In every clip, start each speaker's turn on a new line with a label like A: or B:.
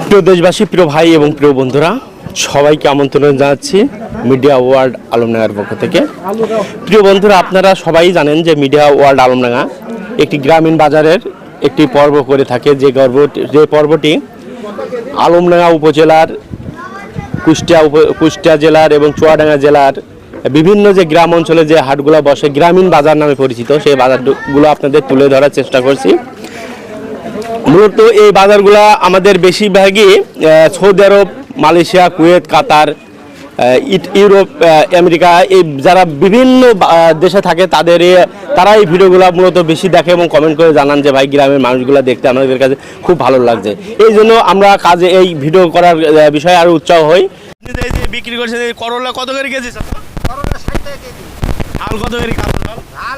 A: প্রিয় দেশবাসী, প্রিয় ভাই এবং প্রিয় বন্ধুরা, সবাইকে আমন্ত্রণ জানাচ্ছি মিডিয়া ওয়ার্ল্ড আলমডাঙ্গার পক্ষ থেকে। প্রিয় বন্ধুরা, আপনারা সবাই জানেন যে মিডিয়া ওয়ার্ল্ড আলমডাঙ্গা একটি গ্রামীণ বাজারের একটি পর্ব করে থাকে, যে পর্বটি আলমডাঙ্গা উপজেলার কুষ্টিয়া জেলার এবং চুয়াডাঙ্গা জেলার বিভিন্ন যে গ্রাম অঞ্চলে যে হাটগুলো বসে, গ্রামীণ বাজার নামে পরিচিত, সেই বাজারগুলো আপনাদের তুলে ধরার চেষ্টা করছি। মূলত এই বাজারগুলো আমাদের বেশিরভাগই Saudi Arab, Malaysia, Kuwait, Qatar, Europe, America, এই যারা বিভিন্ন দেশে থাকে তারা এই ভিডিওগুলো মূলত বেশি দেখে এবং কমেন্ট করে জানান যে ভাই, গ্রামের মানুষগুলো দেখতে আমাদের কাছে খুব ভালো লাগছে। এই জন্য আমরা এই ভিডিও করার বিষয়ে আরও উৎসাহ হই। বিক্রি করছে করলা কত করে কেজি?
B: করলা 60 টাকা কেজি।
A: আল কত করে?
B: আল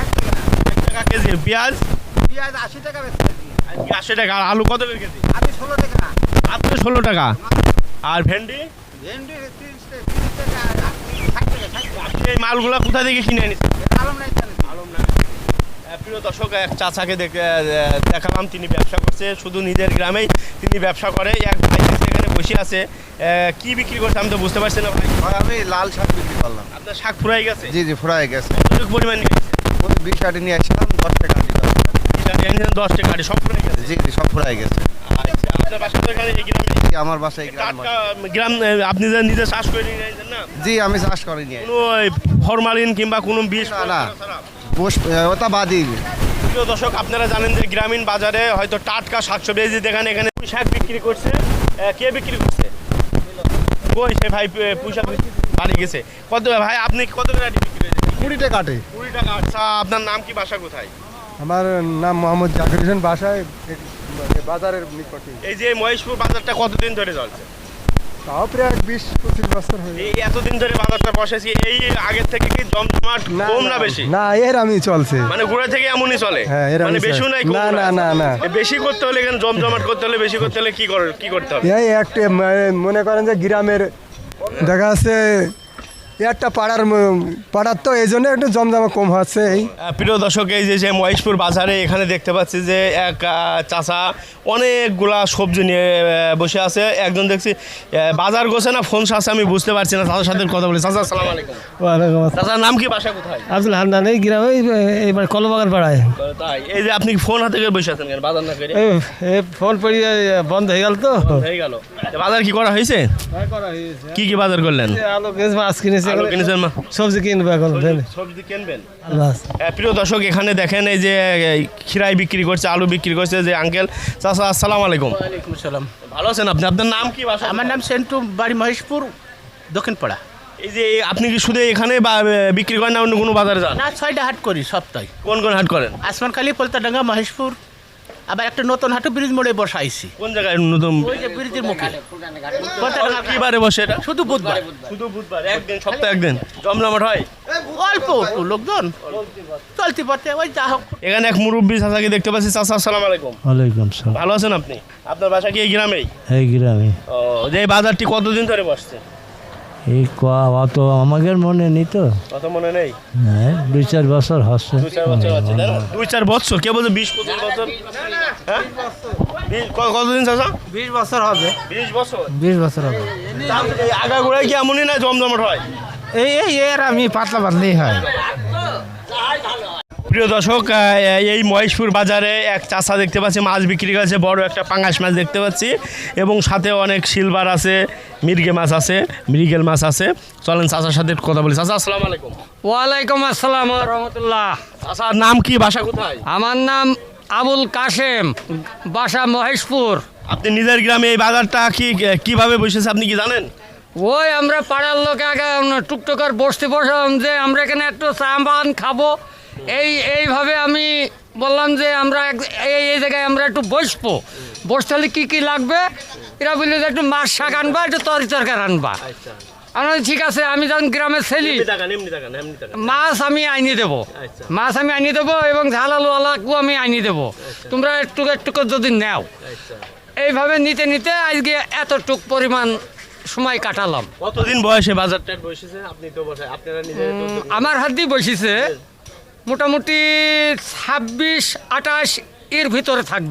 B: 60
A: টাকা কেজি। পেঁয়াজ
B: 80 টাকা বেচছি।
A: 80 টাকা। আর আলু কত করে কেজি?
B: আমি 16 টাকা।
A: মাত্র 16 টাকা। আর ভেন্ডি?
B: ভেন্ডি 30 টাকা। 60 টাকা।
A: এই মালগুলো কোথা থেকে কিনে এনেছেন?
B: আলমডাঙ্গা।
A: প্রিয় দর্শক, এক চাচাকে দেখালাম, তিনি ব্যবসা করছে, শুধু নিজের গ্রামেই তিনি ব্যবসা করে। এক ভাই এখানে বসে আছে, কি বিক্রি করছে আমি তো বুঝতে পারছি না ভাই।
B: আমি লাল শাক বিক্রি করলাম।
A: আপনার শাক ফুরাই গেছে?
B: জি জি, ফুরাই গেছে।
A: কতটুকু পরিমাণ নিয়ে গেছে?
B: 20 আটি নিয়ে আসলাম, 10 টাকা আটি।
A: 10 টাকা আটি সব ফুরাই গেছে?
B: জি জি, সব ফুরাই গেছে।
A: আচ্ছা, আপনার বাসা তো এখানে এই গ্রামে?
B: জি, আমার বাসায়
A: গ্রাম। আপনি যে নিজে চাষ করে নিয়ে আসেন না?
B: জি, আমি চাষ করিনি।
A: কোনো ফরমালিন কিংবা কোনো বিষ?
B: না, ওটা বাদি।
A: প্রিয় দর্শক, আপনারা জানেন যে গ্রামীণ বাজারে হয়তো টাটকা শাকসবজি দেখেন, এখানে পুঁই শাক বিক্রি করছে। কে বিক্রি করছে? কই সে ভাই? পুঁই শাক বাড়ি গেছে। কত ভাই, আপনি কত করে বিক্রি করেছেন?
B: 20 টাকা আটি।
A: 20 টাকা। আচ্ছা, আপনার নাম কি, বাসা কোথায়?
B: আমার নাম মোহাম্মদ জাকির হোসেন, বাসায় বাজারের নিকটে।
A: এই যে মহেশপুর বাজারটা কতদিন ধরে চলছে?
B: তাও প্রায় 20-25 বছর হয়ে
A: এই এতদিন ধরে বাজারটা বসেছি, এই আগের থেকে কি জমজমাট কম না বেশি?
B: না, এর আমি চলছে।
A: মানে ঘুরে থেকে এমনই চলে?
B: হ্যাঁ, এর
A: মানে
B: আমি
A: বেশিও নাই?
B: না না না না,
A: বেশি করতে হলে এখানে জমজমাট করতে হলে, বেশি করতে হলে কি করতে হবে?
B: এই একটা মনে করেন যে গ্রামের দেখা যাচ্ছে একটা পাড়ার তো এই জন্য একটু জমজমা কম হচ্ছে। এই
A: প্রিয় দর্শক, এই যে মহেশপুর বাজারে এখানে দেখতে পাচ্ছি যে এক চাচা অনেকগুলা সবজি নিয়ে বসে আছে। একজন দেখছি বাজার গোছে না ফোন সাথে, আমি বুঝতে পারছি না। চাচার সাথে কথা বলি। চাচা, আসসালামু আলাইকুম।
C: ওয়ালাইকুম আসসালাম।
A: চাচার নাম কি, বাসা কোথায়?
C: আব্দুল হান্নান, এই গ্রামে এইবার কলবাগান পাড়ায়।
A: তাই? এই যে আপনি ফোন হাতে করে বসে আছেন কেন, বাজার না করে?
C: এই ফোন পড়ি বন্ধ হয়ে গেল তো।
A: হয়ে গেল। বাজার কি করা হয়েছে? কি কি বাজার করলেন?
C: আলু কিনছি, মাছ কিনেছি,
A: আলু কিনেছেন?
C: সবজি কিনবো এখন।
A: সবজি কিনবেন?
C: বাস।
A: প্রিয় দর্শক, এখানে দেখেন এই যে খিরাই বিক্রি করছে, আলু বিক্রি করছে যে আঙ্কেল। চাচা, আসসালামু আলাইকুম।
D: ওয়ালাইকুম আসসালাম।
A: ভালো আছেন আপনি? আপনার নাম কি, বাসা?
D: আমার নাম সেন্টু, বাড়ি মহেশপুর, দক্ষিণপাড়া।
A: এই যে আপনি কি শুধু এখানে বিক্রি করেন না অন্য কোনো বাজারে যান?
D: না, 6টা হাট করি সপ্তাহে।
A: কোন কোন হাট করেন?
D: আসমানখালি, পলতাডাঙ্গা, মহেশপুর, আবার একটা নতুন হাটও ব্রিজ মোড়ে বসাইছি।
A: কোন জায়গায় নতুন?
D: ওই যে ব্রিজের মুখে।
A: কি বারে বসে এটা?
D: শুধু বুধবার।
A: শুধু বুধবার, একদিন, সপ্তাহে একদিন জমজমাট হয়?
D: অল্প একটু লোকজন চলতে পথে, ওই যা হোক।
A: এখানে এক মুরব্বী চাচাকে দেখতে পাচ্ছি। চাচা, আসসালামু আলাইকুম।
C: ওয়ালাইকুম সালাম।
A: ভালো আছেন আপনি? আপনার বাসা কি এই গ্রামেই?
C: এই গ্রামে।
A: ও, যে এই বাজারটি কতদিন ধরে বসছে?
C: এই অত আমাদের মনে নেই তো।
A: কত মনে নেই?
C: 2-4 বছর হচ্ছে।
A: 2-4 বছর হচ্ছে, তাই না? 2-4 বছর? কে বলছে 20-25 বছর? হ্যাঁ, কতদিন চাচা?
D: 20 বছর হবে।
A: 20 বছর?
C: 20 বছর হবে।
A: এই আগাগোড়ায় কি এমনই না জমজমাট হয়?
D: এর আমি পাতলা পাতলাই হয়।
A: প্রিয় দর্শক, এই মহেশপুর বাজারে এক চাচা দেখতে পাচ্ছি, মাছ বিক্রি করছে, বড় একটা পাঙ্গাস মাছ দেখতে পাচ্ছি, এবং সাথে অনেক সিলভার আছে, মৃগেল মাছ আছে। চলেন চাচার সাথে কথা বলি। চাচা, আসসালামু আলাইকুম।
E: ওয়ালাইকুম আসসালাম রহমতুল্লাহ।
A: চাচার নাম কি, বাসা কোথায়?
E: আমার নাম আবুল কাশেম, বাসা মহেশপুর।
A: আপনি নিজের গ্রামে এই বাজারটা কিভাবে বসেছে আপনি কি জানেন?
E: ওই আমরা পাড়ার লোক আগে টুকটুকার বসতে বসলাম যে আমরা এখানে একটু চা পান খাবো, এইভাবে আমি বললাম যে আমরা এই জায়গায় আমরা একটু বসতে হলে কী লাগবে। এরা বললো যে একটু মাছ শাক আনবা, একটু তরকারি আনবা। আমরা ঠিক আছে, আমি যখন গ্রামে ছেলি মাছ আমি আনিয়ে দেবো, এবং ঝাল আলু আলাকেও আমি আনিয়ে দেবো, তোমরা একটু যদি নেও। এইভাবে নিতে নিতে আজকে এতটুক পরিমাণ সময় কাটালাম।
A: কতদিন বয়সে বাজারটা বসেছে? আপনি তো বসে, আপনারা নিজে
E: আমার হাত দিয়ে বসেছে মোটামুটি 26-28 এর ভিতরে থাকবে।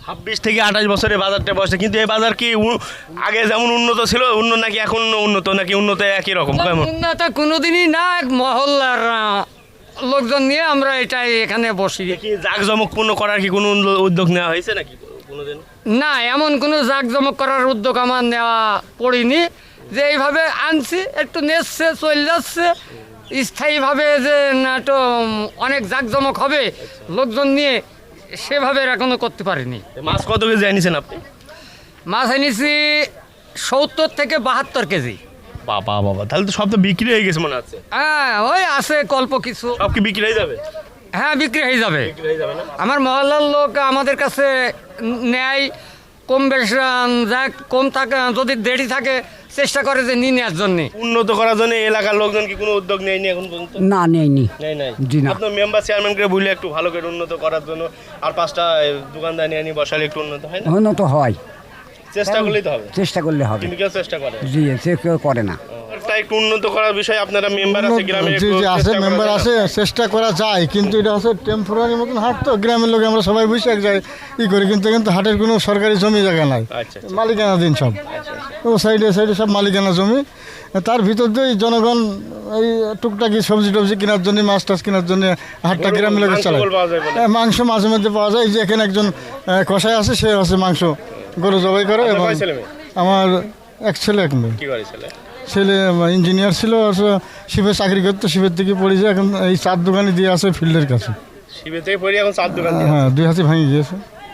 A: 26 থেকে 28 বছরে বাজারটা বসে, কিন্তু এই বাজার কি আগে যেমন উন্নত ছিল উন্নত নাকি এখন উন্নত নাকি উন্নত একই রকম কেমন?
E: উন্নত কোনোদিনই না, এক মহল্লার লোকজন নিয়ে আমরা এটাই এখানে বসি।
A: কি জাঁকজমকপূর্ণ করার কি কোনো উদ্যোগ নেওয়া হয়েছে নাকি কোনোদিন?
E: না, এমন কোনো জাঁকজমক করার উদ্যোগ আমার নেওয়া পড়িনি, যে এইভাবে আনছি একটু নেচছে চলে যাচ্ছে। স্থায়ীভাবে যে না তো অনেক জাঁকজমক হবে লোকজন নিয়ে, সেভাবে এখনো করতে পারিনি।
A: মাছ কত কেজি আনিছেন আপনি?
E: মাছ এনেছি 70 থেকে 72 কেজি।
A: বাবা বাবা, তাহলে তো সব তো বিক্রি হয়ে গেছে মনে হচ্ছে।
E: হ্যাঁ, ওই আছে কল্প কিছু।
A: সব কি বিক্রি হয়ে যাবে?
E: হ্যাঁ, বিক্রি হয়ে যাবে।
A: বিক্রি হয়ে যাবে না?
E: আমার মহল্লার লোক আমাদের কাছে নেয়, কম বেশ যা কম থাকে, যদি দেরি থাকে চেষ্টা করে যে নিয়ে নেওয়ার জন্যে।
A: উন্নত করার জন্য এলাকার লোকজন কি কোনো উদ্যোগ নেয়নি এখন পর্যন্ত?
F: না, নেয়নি।
A: নেই নাই।
F: জি না।
A: আপনার মেম্বার চেয়ারম্যানকে বললে একটু ভালো করে উন্নত করার জন্য আর 5টা দোকানদার নিয়ে বসালে একটু উন্নত হয় না?
F: উন্নত হয়,
A: চেষ্টা করলেই তো হবে।
F: চেষ্টা করলে হবে।
A: কিন্তু কেউ চেষ্টা করে?
F: জি, সে কেউ করে না।
A: একটা একটু উন্নত করার বিষয়ে আপনারা মেম্বার আছে গ্রামে?
G: জি জি আছে, মেম্বার আছে, চেষ্টা করা যায়, কিন্তু এটা হচ্ছে টেম্পোরারি মতন হাট তো, গ্রামের লোক আমরা সবাই বসে এক জায়গায় করি, কিন্তু হাটের কোনো সরকারি জমি জায়গা নাই,
A: আচ্ছা আচ্ছা।
G: মালিকানা দিন সব, ও সাইডে সাইডে সব মালিকানা জমি। তার ভিতর দিয়েই জনগণ এই টুকটাকি সবজি টবজি কেনার জন্য, মাছ টাছ কেনার জন্য হাটটা গ্রামের লোকের চালায়।
A: মাংস পাওয়া যায় বলে?
G: মাংস মাঝে মধ্যে পাওয়া যায়। এই যে এখানে একজন কষাই আছে, সে হচ্ছে মাংস গরু জবাই করে।
A: আপনার
G: এবং
A: কয় ছেলে মেয়ে?
G: আমার এক ছেলে এক মেয়ে।
A: কি করে ছেলে?
G: ছেলে ইঞ্জিনিয়ার ছিল, শিপে চাকরি করতো, শিপের থেকে পড়েছে, এখন এই চার দোকানে দিয়ে আছে ফিল্ডের কাছে।
A: শিবে থেকে পড়ি এখন 4 দোকান দিয়ে।
G: হ্যাঁ, 2 হাতে ভেঙে গিয়েছে,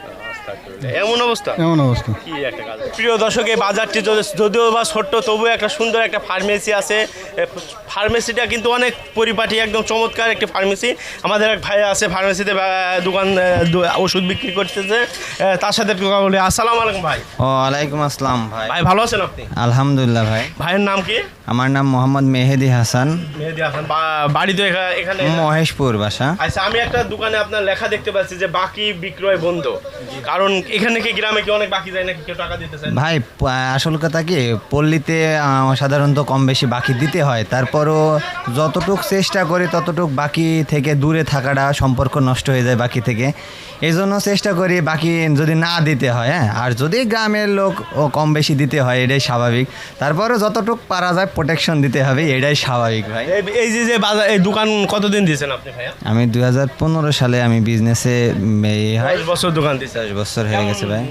A: এমন অবস্থা?
G: এমন অবস্থা।
A: কি একটা কাজ। প্রিয় দর্শক, এই বাজারটি যদিও বা ছোট্ট, তবুও একটা সুন্দর একটা ফার্মেসি আছে। ফার্মেসিটা কিন্তু অনেক পরিপাটি, একদম চমৎকার একটি ফার্মেসি। আমাদের এক ভাই আছে ফার্মেসিতে দোকান ওষুধ বিক্রি করতেছে, তার সাথে একটু কথা বলি। আসসালামু আলাইকুম ভাই।
H: ওয়ালাইকুম আসসালাম ভাই।
A: ভাই ভালো আছেন আপনি?
H: আলহামদুলিল্লাহ ভাই।
A: ভাইয়ের নাম কি?
H: আমার নাম মোহাম্মদ মেহেদি হাসান।
A: মেহেদি হাসান। বাড়ি তো এখানে?
H: মহেশপুর বাসা।
A: আচ্ছা, আমি একটা দোকানে আপনার লেখা দেখতে পাচ্ছি যে বাকি বিক্রয় বন্ধ, কারণ এখানে কি গ্রামে কি অনেক বাকি যায় নাকি, কেউ টাকা দিতে চায় না?
H: ভাই আসল কথা কি, পল্লীতে সাধারণত কম বেশি বাকি দিতে হয়, তারপরও যতটুক চেষ্টা করি ততটুক বাকি থেকে দূরে থাকাটা, সম্পর্ক নষ্ট হয়ে যায় বাকি থেকে। এই জন্য চেষ্টা করি বাকি যদি না দিতে হয়, হ্যাঁ, আর যদি গ্রামের লোক ও কম বেশি দিতে হয় এটাই স্বাভাবিক। তারপরে যতটুক পারা যায় প্রোটেকশন দিতে হবে, এটাই স্বাভাবিক ভাই।
A: এই যে বাজার, এই দোকান কতদিন দিয়েছেন আপনি ভাইয়া?
H: আমি 2015 সালে আমি বিজনেসে
A: 10 বছর দোকান দিয়েছেন।
H: 10 বছর হয়ে গেছে ভাই।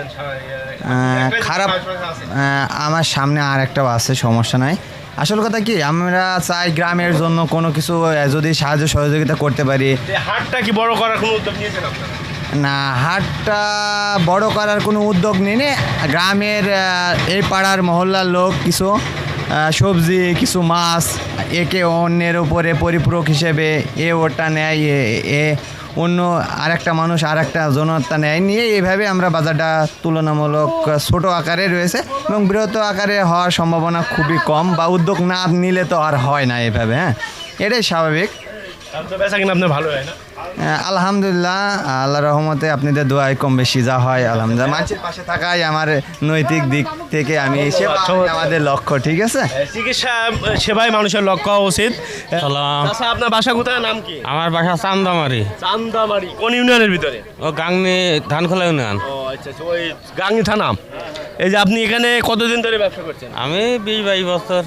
H: খারাপ
A: আছে?
H: আমার সামনে আর একটাও আছে, সমস্যা নাই। আসল কথা কি, আমরা চাই গ্রামের জন্য কোনো কিছু যদি সাহায্য সহযোগিতা করতে পারি।
A: হাটটা কি বড় করার কোনো উদ্যোগ নিয়েছেন আপনারা?
H: না, হাটটা বড় করার কোনো উদ্যোগ নিয়ে গ্রামের এই পাড়ার মহল্লার লোক কিছু সবজি, কিছু মাছ একে অন্যের উপরে পরিপূরক হিসেবে ওটা নেয়, এ অন্য আরেকটা মানুষ আরেকটা জনতা নেয়, নিয়ে এইভাবে আমরা বাজারটা তুলনামূলক ছোট আকারে রয়েছে এবং বৃহৎ আকারে হওয়ার সম্ভাবনা খুবই কম, বা উদ্যোগ না নিলে তো আর হয় না এভাবে। হ্যাঁ, এটাই স্বাভাবিক।
A: বেচা কিনা আপনার ভালো হয় না?
H: আলহামদুলিল্লাহ, আল্লাহর রহমতে আপনাদের দোয়ায় কম বেশি যা হয় আলহামদুলিল্লাহ। মানুষের পাশে থাকাই আমার নৈতিক দিক থেকে আমি আমাদের লক্ষ্য। ঠিক আছে,
A: চিকিৎসা সেবাই মানুষের লক্ষ্য হওয়া উচিত।
C: সালাম।
A: আচ্ছা, আপনার বাসা কোথায়, নাম কি?
C: আমার বাসা চান্দামারি,
A: চান্দাবাড়ি। কোন ইউনিয়নের ভিতরে?
C: ও গাংনি ধানখোলা ইউনিয়ন।
A: ও আচ্ছা আচ্ছা, ওই গাঙ্গি থানা। এই যে আপনি এখানে কতদিন ধরে ব্যবসা করছেন?
C: আমি 20-22 বছর।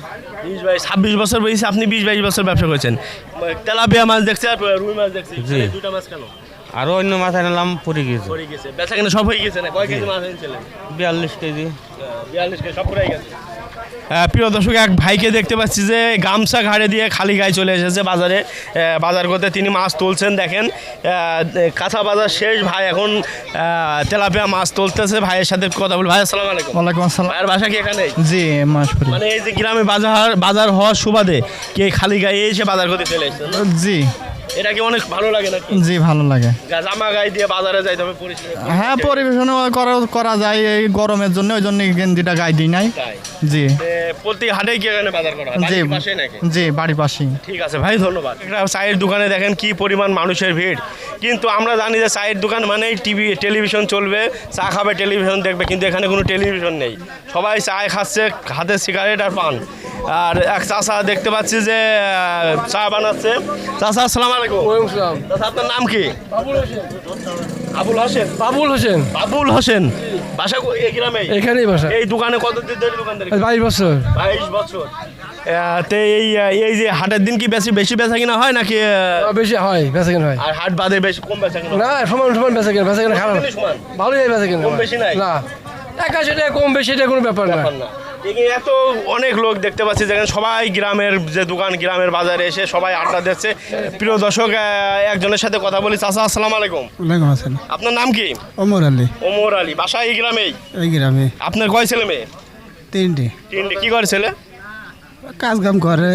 A: 26 বছর বয়সে আপনি 20-22 বছর ব্যবসা করছেন। তেলাপিয়া মাছ দেখছি আর রুই মাছ দেখছি।
C: জি।
A: দুটা মাছ কেন?
C: আরও অন্য মাছ আনলাম, পড়ে গেছে।
A: পড়ে গেছে। বেচা কিনা সব হয়ে গেছে না? কয় কেজি মাছ এনেছিলেন?
C: 42 কেজি।
A: 42 কেজি সব পুরাই গেছে। প্রিয় দর্শক, এক ভাইকে দেখতে পাচ্ছি যে গামছা ঘাড়ে দিয়ে খালি গায়ে চলে এসেছে বাজারে বাজার করতে। তিনি মাছ তুলছেন, দেখেন কাঁচা বাজার শেষ। ভাই এখন তেলাপিয়া মাছ তুলতেছে। ভাইয়ের সাথে কথা বল। ভাই আসসালামু আলাইকুম।
G: ওয়ালাইকুম আসসালাম।
A: ভাইয়ের বাসা কি এখানে?
G: জি, মাসপুরি।
A: মানে এই যে গ্রামে বাজার হওয়ার সুবাদে কে খালি গায়ে এসে বাজার করতে চলে এসেছে?
G: জি
A: এটা কি অনেক ভালো লাগে নাকি?
G: জি, ভালো লাগে।
A: জামা গায়ে দিয়ে বাজারে যাইতে হবে পরিষ্কার।
G: হ্যাঁ, পরিবেশন করা যায় এই গরমের জন্য, ওই জন্য গেঞ্জিটা গায়ে দিই নাই।
A: তাই?
G: জি
A: প্রতি হাটে কি এখানে বাজার করা হয়?
G: জি
A: বাড়ির পাশেই নাকি?
G: জি, বাড়ির পাশেই।
A: ঠিক আছে ভাই, ধন্যবাদ। একটা চায়ের দোকানে দেখেন কি পরিমাণ মানুষের ভিড়, কিন্তু আমরা জানি যে চায়ের দোকান মানেই টেলিভিশন চলবে, চা খাবে, টেলিভিশন দেখবে, কিন্তু এখানে কোনো টেলিভিশন নেই। সবাই চায় খাচ্ছে, হাতে সিগারেট আর পান। আর এক চাচা দেখতে পাচ্ছি যে চা বানাচ্ছে। চাচা আসসালামু আলাইকুম। চাচা, আপনার নাম কি? আবুল হোসেন।
I: বাবুল হোসেন।
A: বাবুল হোসেন বাসা এই গ্রামে?
I: এখানেই বাসা।
A: এই দোকানে কতদিন ধরে দোকানদারি?
I: 22 বছর।
A: 22 বছর। তো এই যে হাটের দিন কি বেশি বেচা কিনা হয় নাকি?
I: বেশি হয়, বেচা কেনা হয়।
A: আর হাট বাদে বেশি কম বেচা কিনা?
I: না, সমান সমান বেচা কেনা, বেচা কেনা খারাপ।
A: সমান?
I: ভালোই বেচা কেনা।
A: কম বেশি নাই?
I: না, 81 টাকা কম বেশি এটা কোনো ব্যাপার না।
A: না এত অনেক লোক দেখতে পাচ্ছি যেখানে সবাই গ্রামের যে দোকান গ্রামের বাজারে এসে সবাই আড্ডা দিচ্ছে। প্রিয় দর্শক, একজনের সাথে কথা বলি। চাচা আসসালামু আলাইকুম।
G: ওয়ালাইকুম আসসালাম।
A: আপনার নাম কি?
G: ওমর আলী।
A: ওমর আলী। বাসা এই গ্রামেই?
G: এই গ্রামে।
A: আপনার কয় ছেলে মেয়ে?
G: 3টে।
A: কি করে ছেলে?
G: কাজ কাম করে।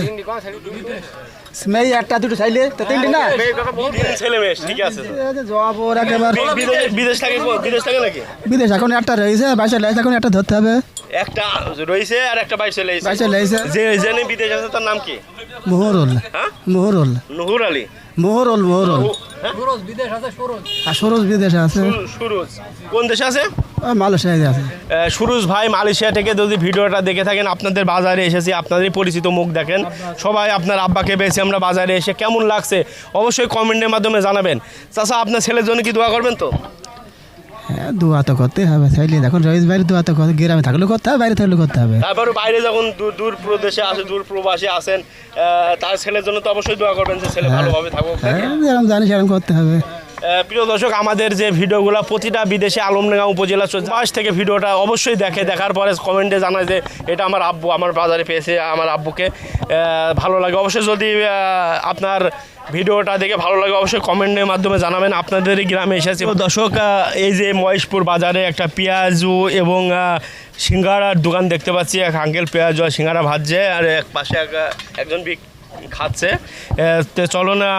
G: মেয়ে একটা দুটো চাইলে তো 3টে না।
A: 3 ছেলে মেয়ে, ঠিক আছে।
G: জবাব ওর একেবারে।
A: বিদেশ থাকে নাকি?
G: বিদেশ এখন একটা রয়েছে, বাইশে লাইছে, এখন একটা ধরতে হবে।
A: একটা রয়েছে আর একটা বাইশে লাইছে।
G: বাইশে লাইছে।
A: যে জেনে বিদেশ আছে তার নাম কি?
G: মোহরুল।
A: হ্যাঁ,
G: মোহরুল।
A: নুহুর আলী।
G: মোহরুল। মোহরুল।
E: সুরজ বিদেশ আছে, সুরজ।
G: আর সরোজ বিদেশে আছে।
A: সুরজ কোন দেশে আছে?
G: মালয়েশিয়ায় আছে।
A: সুরজ ভাই মালয়েশিয়া থেকে যদি ভিডিওটা দেখে থাকেন, আপনাদের বাজারে এসেছি, আপনাদের পরিচিত মুখ দেখেন সবাই। আপনার আব্বাকে পেয়েছি আমরা বাজারে এসে, কেমন লাগছে অবশ্যই কমেন্টের মাধ্যমে জানাবেন। চাচা আপনার ছেলের জন্য কি দোয়া করবেন তো?
G: হ্যাঁ, দোয়া তো করতে হবে। চাইলে এখন রয়েছে বাইরে, দোয়া তো গ্রামে থাকলেও করতে হবে, বাইরে থাকলেও করতে হবে।
A: তারপরে বাইরে যখন দূর প্রদেশে আসে, দূর প্রবাসী আসেন, তার ছেলের জন্য তো অবশ্যই দোয়া করবেন যে ছেলে ভালোভাবে থাকুক।
G: হ্যাঁ, যেরকম জানি সেরকম করতে হবে।
A: প্রিয় দর্শক, আমাদের যে ভিডিওগুলো প্রতিটা বিদেশে আলমডাঙ্গা উপজেলা পাশ থেকে ভিডিওটা অবশ্যই দেখার পরে কমেন্টে জানায় যে এটা আমার আব্বু আমার বাজারে পেয়েছে, আমার আব্বুকে ভালো লাগে। অবশ্যই যদি আপনার ভিডিওটা দেখে ভালো লাগে অবশ্যই কমেন্টের মাধ্যমে জানাবেন। আপনাদের গ্রামে এসেছি দর্শক, এই যে মহেশপুর বাজারে একটা পেঁয়াজু এবং সিঙ্গারার দোকান দেখতে পাচ্ছি। এক আঙ্কেল পেঁয়াজু আর সিঙ্গারা ভাজছে, আর এক পাশে একজন খাচ্ছে। তো চলো না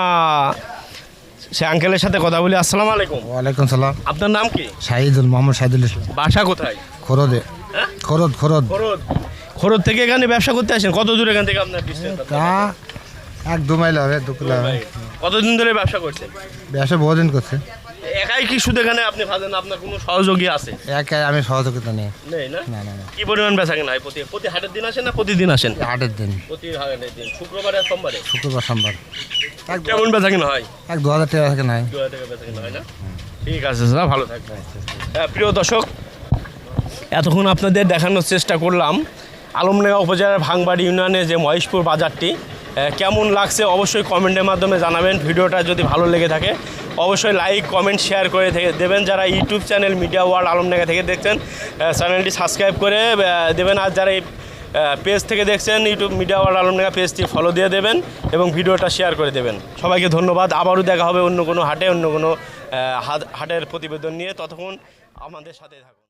A: সে আঙ্কেলের সাথে কথা বলি। আসসালামু আলাইকুম।
G: ওয়ালাইকুম সালাম।
A: আপনার নাম কি?
G: শাহিদুল, মোহাম্মদ শাহিদুল ইসলাম।
A: বাসা কোথায়?
G: খরদে। খরদ।
A: খরদ থেকে এখানে ব্যবসা করতে আসেন? কত দূর এখান থেকে আপনার distance?
G: তা 1-2 মাইল হবে, 2 কিলো হবে।
A: কতদিন ধরে ব্যবসা করছেন?
G: ব্যবসা বহুদিন করছে।
A: একাই কি শুধু এখানে আপনি ভাজেন, আপনার কোনো সহযোগী আছে?
G: একাই আমি সহযোগিতা নেই।
A: নেই না?
G: না।
A: কি পরিমাণ বেচা কেনা হয়? প্রতি হাটের দিন আসেন না প্রতিদিন আসেন?
G: হাটের দিন,
A: প্রতি হাটের দিন, শুক্রবার আর সোমবারে।
G: শুক্রবার সোমবার।
A: কেমন বেচা কেনা হয়?
G: 1-2 হাজার টাকা থাকে নাই।
A: 2000 টাকা বেচা কেনা হয় না? ঠিক আছে স্যার, ভালো থাকবেন। প্রিয় দর্শক, এতক্ষণ আপনাদের দেখানোর চেষ্টা করলাম আলমডাঙ্গা উপজেলার ভাঙবাড়ি ইউনিয়নে যে মহেশপুর বাজারটি কেমন লাগছে অবশ্যই কমেন্টের মাধ্যমে জানাবেন। ভিডিওটা যদি ভালো লেগে থাকে অবশ্যই লাইক কমেন্ট শেয়ার করে দেবেন। যারা YouTube channel media world Alamdanga থেকে দেখছেন চ্যানেলটি সাবস্ক্রাইব করে দেবেন। আর যারা এই পেজ থেকে দেখছেন ইউটিউব মিডিয়া ওয়ার্ল্ড আলমডাঙ্গা পেজটি ফলো দিয়ে দেবেন এবং ভিডিওটা শেয়ার করে দেবেন। সবাইকে ধন্যবাদ। আবারও দেখা হবে অন্য কোনো হাটে, অন্য কোনো হাটের প্রতিবেদন নিয়ে। ততক্ষণ আমাদের সাথে থাকুন।